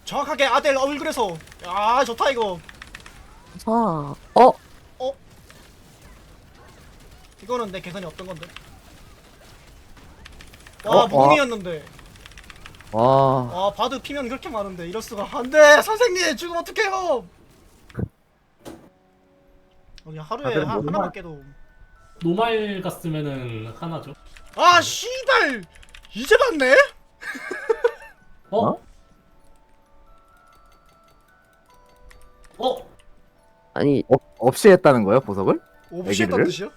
정확하게 아델 얼굴에서. 아 좋다 이거. 자, 어? 이거는 내 계산이 없던 건데. 와 무궁이었는데. 와, 와 바드 피면 그렇게 많은데 이럴 수가. 안돼 선생님 죽으면 어떡해요. 여기 하루에 다들 뭐 하나만 깨도. 노말 갔으면은 하나죠. 아 씨발 이제 봤네. 어? 어? 어? 아니, 없이 했다는 거예요, 보석을? 오브시했던 애기를? 뜻이요?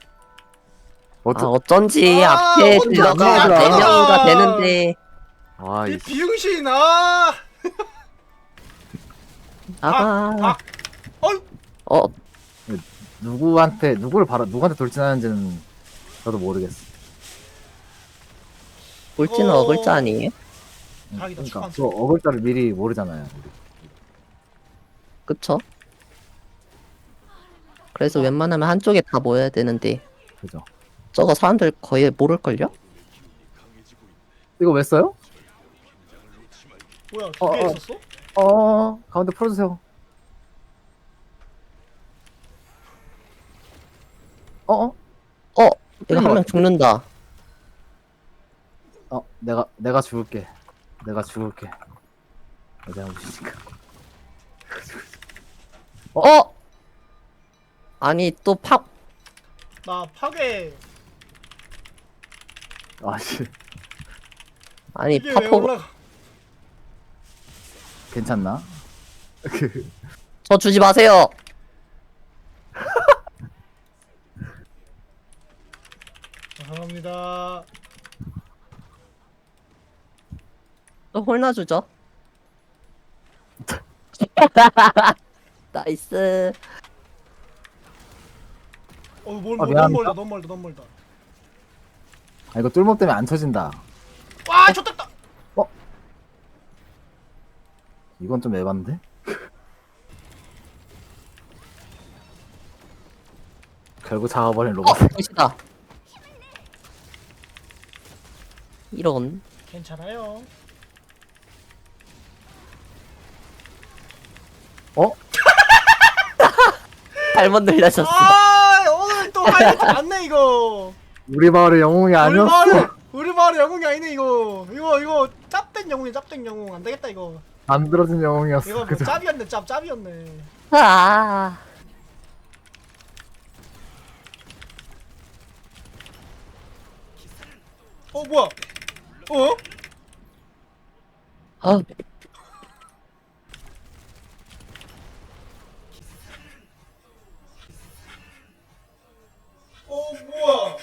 어쩐지 아, 앞에 혼자 들어가 들어가. 4명이가 되는데, 아, 이 이 비응신 아. 아가, 어이. 어, 누구한테 돌진하는지는 저도 모르겠어. 볼지는 어. 어글자 아니에요? 자기도 그러니까 축하한다. 그 어글자를 미리 모르잖아요. 우리. 그쵸? 그래서 웬만하면 한쪽에 다 모여야 되는데, 그죠? 저거 사람들 거의 모를걸요? 이거 왜 써요? 뭐야 두 개 어. 있었어? 가운데 풀어주세요. 어? 이거 한 명 죽는다. 내가 죽을게. 내가 잘못이니까. 아니, 나 파괴. 아씨, 아니, 이게 왜 파포, 올라가? 괜찮나? 저 주지 마세요! 죄송합니다. 또 홀나 주죠? 나이스. 너무 미안합니다. 멀다 너무 멀다 너무 멀다. 아, 이거 뚫목 때문에 안 쳐진다. 와 좋됐다. 이건 좀 에반데? 결국 잡아버린 로봇. 보시다. 이런. 괜찮아요. 잘못 늘려졌어. 아 오늘 또 하이라이트 많네 이거. 우리 마을의 영웅이 아니었어. 우리 마을의 영웅이 아니네 이거. 이거 짭된 영웅이 짭된 영웅 안 되겠다 이거. 만들어진 영웅이었어. 이거 뭐 그죠? 짭이었네 짭이었네. 아, 뭐야? 어? 아, 뭐야?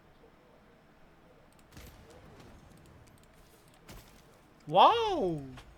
와우.